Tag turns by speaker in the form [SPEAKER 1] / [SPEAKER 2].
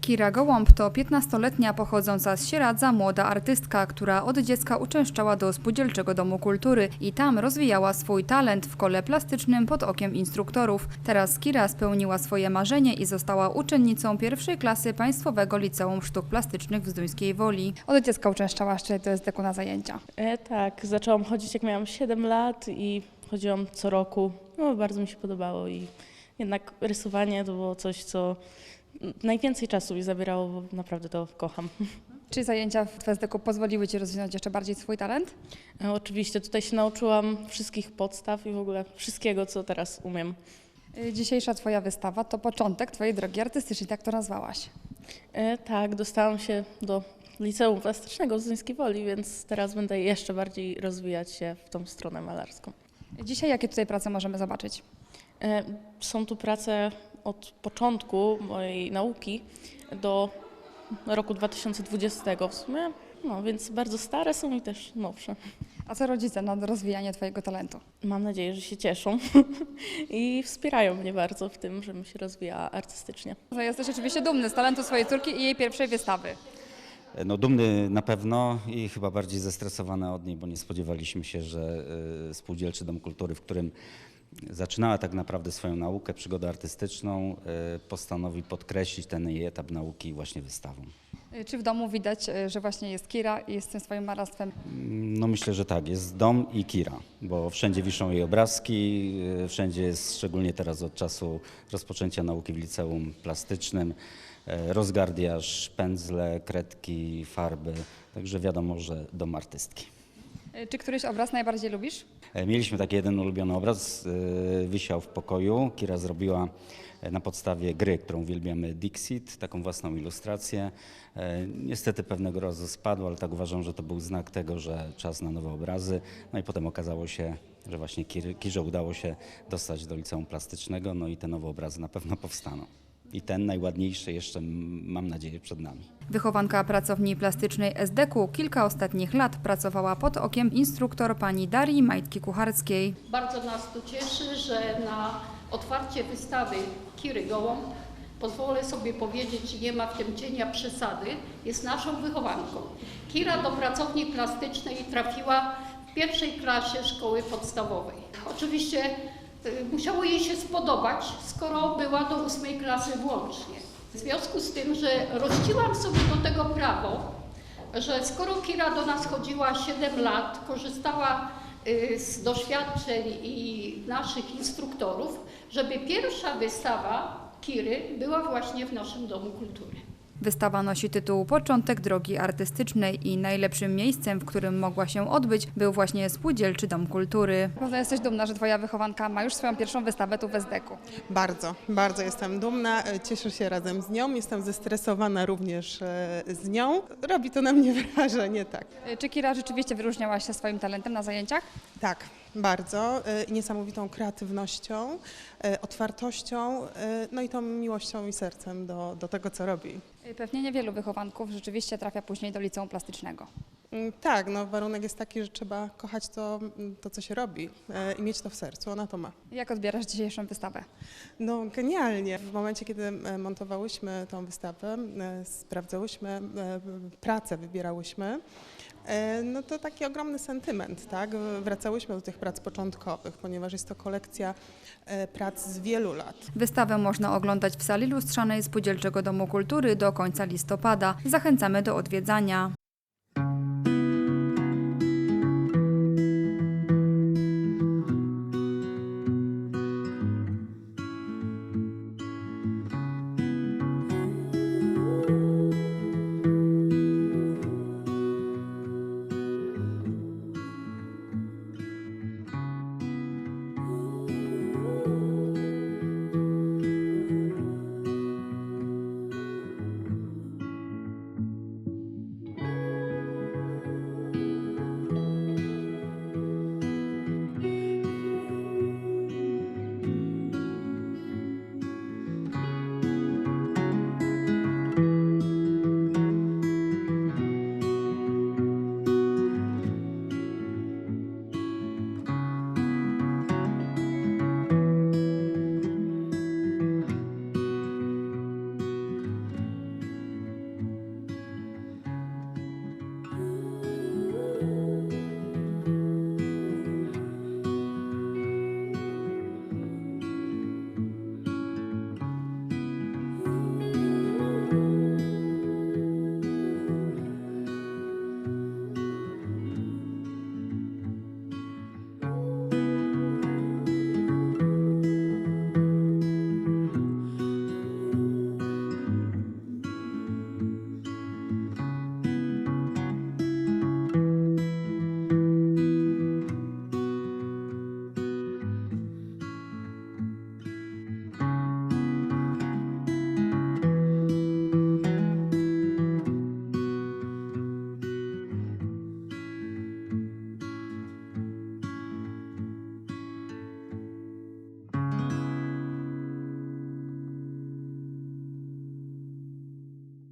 [SPEAKER 1] Kira Gołąb to 15-letnia pochodząca z Sieradza młoda artystka, która od dziecka uczęszczała do Spółdzielczego Domu Kultury i tam rozwijała swój talent w kole plastycznym pod okiem instruktorów. Teraz Kira spełniła swoje marzenie i została uczennicą pierwszej klasy Państwowego Liceum Sztuk Plastycznych w Zduńskiej Woli. Od dziecka uczęszczałaś do SDK na zajęcia.
[SPEAKER 2] Tak, zaczęłam chodzić jak miałam 7 lat i chodziłam co roku. No, bardzo mi się podobało i jednak rysowanie to było coś, co najwięcej czasu mi zabierało, bo naprawdę to kocham.
[SPEAKER 1] Czy zajęcia w SDK pozwoliły Ci rozwinąć jeszcze bardziej swój talent?
[SPEAKER 2] Oczywiście tutaj się nauczyłam wszystkich podstaw i w ogóle wszystkiego, co teraz umiem.
[SPEAKER 1] Dzisiejsza Twoja wystawa to początek Twojej drogi artystycznej, tak to nazwałaś.
[SPEAKER 2] Tak, dostałam się do Liceum Plastycznego w Zduńskiej Woli, więc teraz będę jeszcze bardziej rozwijać się w tą stronę malarską.
[SPEAKER 1] Dzisiaj jakie tutaj prace możemy zobaczyć?
[SPEAKER 2] Są tu prace od początku mojej nauki do roku 2020 w sumie, no więc bardzo stare są i też nowsze.
[SPEAKER 1] A co rodzice na rozwijanie Twojego talentu?
[SPEAKER 2] Mam nadzieję, że się cieszą i wspierają mnie bardzo w tym, żebym się rozwijała artystycznie.
[SPEAKER 1] Jesteś oczywiście dumny z talentu swojej córki i jej pierwszej wystawy.
[SPEAKER 3] No, dumny na pewno i chyba bardziej zestresowany od niej, bo nie spodziewaliśmy się, że Spółdzielczy Dom Kultury, w którym zaczynała tak naprawdę swoją naukę, przygodę artystyczną, postanowi podkreślić ten jej etap nauki właśnie wystawą.
[SPEAKER 1] Czy w domu widać, że właśnie jest Kira i jest tym swoim malarstwem?
[SPEAKER 3] No myślę, że tak, jest dom i Kira, bo wszędzie wiszą jej obrazki, wszędzie jest, szczególnie teraz od czasu rozpoczęcia nauki w liceum plastycznym, rozgardiaż, pędzle, kredki, farby, także wiadomo, że dom artystki.
[SPEAKER 1] Czy któryś obraz najbardziej lubisz?
[SPEAKER 3] Mieliśmy taki jeden ulubiony obraz, wisiał w pokoju. Kira zrobiła na podstawie gry, którą uwielbiamy, Dixit, taką własną ilustrację. Niestety pewnego razu spadł, ale tak uważam, że to był znak tego, że czas na nowe obrazy. No i potem okazało się, że właśnie Kirze udało się dostać do Liceum Plastycznego, no i te nowe obrazy na pewno powstaną. I ten najładniejszy jeszcze, mam nadzieję, przed nami.
[SPEAKER 1] Wychowanka pracowni plastycznej SDK kilka ostatnich lat pracowała pod okiem instruktor pani Darii Majtki-Kucharskiej.
[SPEAKER 4] Bardzo nas to cieszy, że na otwarcie wystawy Kiry Gołąb, pozwolę sobie powiedzieć, nie ma w tym cienia przesady, jest naszą wychowanką. Kira do pracowni plastycznej trafiła w pierwszej klasie szkoły podstawowej. Oczywiście musiało jej się spodobać, skoro była do 8 klasy włącznie. W związku z tym, że rościłam sobie do tego prawo, że skoro Kira do nas chodziła 7 lat, korzystała z doświadczeń i naszych instruktorów, żeby pierwsza wystawa Kiry była właśnie w naszym Domu Kultury.
[SPEAKER 1] Wystawa nosi tytuł Początek drogi artystycznej i najlepszym miejscem, w którym mogła się odbyć, był właśnie Spółdzielczy Dom Kultury. Pewno jesteś dumna, że Twoja wychowanka ma już swoją pierwszą wystawę tu w SDK.
[SPEAKER 5] Bardzo, bardzo jestem dumna, cieszę się razem z nią, jestem zestresowana również z nią. Robi to na mnie wrażenie, tak.
[SPEAKER 1] Czy Kira rzeczywiście wyróżniała się swoim talentem na zajęciach?
[SPEAKER 5] Tak, bardzo. Niesamowitą kreatywnością, otwartością, no i tą miłością i sercem do tego, co robi.
[SPEAKER 1] Pewnie niewielu wychowanków rzeczywiście trafia później do Liceum Plastycznego.
[SPEAKER 5] Tak, no warunek jest taki, że trzeba kochać to co się robi i mieć to w sercu, ona to ma.
[SPEAKER 1] Jak odbierasz dzisiejszą wystawę?
[SPEAKER 5] No genialnie. W momencie, kiedy montowałyśmy tą wystawę, sprawdzałyśmy pracę, wybierałyśmy, no to taki ogromny sentyment, tak? Wracałyśmy do tych prac początkowych, ponieważ jest to kolekcja prac z wielu lat.
[SPEAKER 1] Wystawę można oglądać w sali lustrzanej Spółdzielczego Domu Kultury do końca listopada. Zachęcamy do odwiedzania.